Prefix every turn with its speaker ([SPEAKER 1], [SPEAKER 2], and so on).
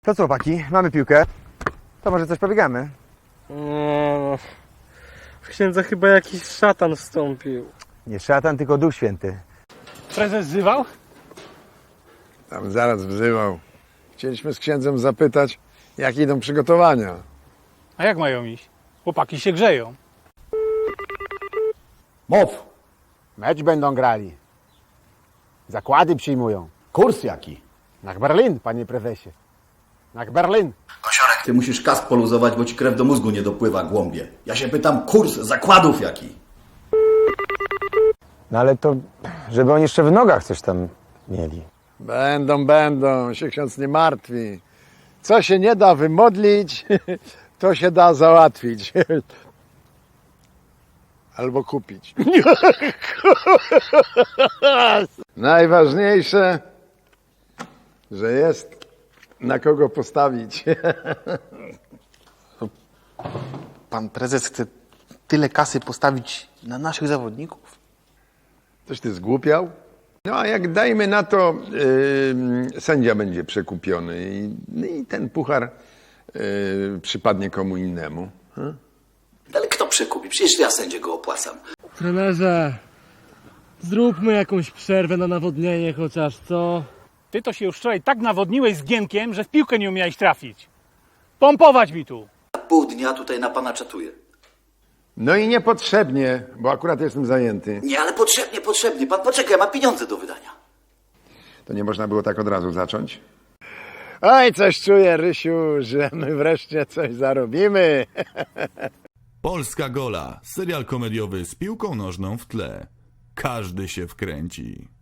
[SPEAKER 1] To co, chłopaki, mamy piłkę. To może coś pobiegamy?
[SPEAKER 2] No, w księdza chyba jakiś szatan wstąpił.
[SPEAKER 1] Nie szatan, tylko Duch Święty.
[SPEAKER 2] Prezes wzywał?
[SPEAKER 3] Tam zaraz wzywał. Chcieliśmy z księdzem zapytać, jak idą przygotowania.
[SPEAKER 4] A jak mają iść? Chłopaki się grzeją.
[SPEAKER 5] Mów! Mecz będą grali. Zakłady przyjmują. Kurs jaki? Na Berlin, panie prezesie. Na Berlin.
[SPEAKER 6] Kosiorek, ty musisz kask poluzować, bo ci krew do mózgu nie dopływa, głąbie. Ja się pytam, kurs zakładów jaki?
[SPEAKER 1] No ale to, żeby oni jeszcze w nogach coś tam mieli.
[SPEAKER 3] Będą, się ksiądz nie martwi. Co się nie da wymodlić, to się da załatwić. Albo kupić. Najważniejsze, że jest na kogo postawić.
[SPEAKER 7] Pan prezes chce tyle kasy postawić na naszych zawodników?
[SPEAKER 3] Coś ty zgłupiał? No a jak dajmy na to, sędzia będzie przekupiony i ten puchar przypadnie komu innemu.
[SPEAKER 6] Ale kto przekupi? Przecież ja sędziego opłacam.
[SPEAKER 2] Trenerze, zróbmy jakąś przerwę na nawodnienie chociaż, co?
[SPEAKER 4] Ty to się już wczoraj tak nawodniłeś z Gienkiem, że w piłkę nie umiałeś trafić. Pompować mi tu.
[SPEAKER 6] Pół dnia tutaj na pana czatuję.
[SPEAKER 3] No i niepotrzebnie, bo akurat jestem zajęty.
[SPEAKER 6] Nie, ale potrzebnie. Pan poczekaj, ma pieniądze do wydania.
[SPEAKER 3] To nie można było tak od razu zacząć? Oj, coś czuję, Rysiu, że my wreszcie coś zarobimy.
[SPEAKER 8] Polska Gola, serial komediowy z piłką nożną w tle. Każdy się wkręci.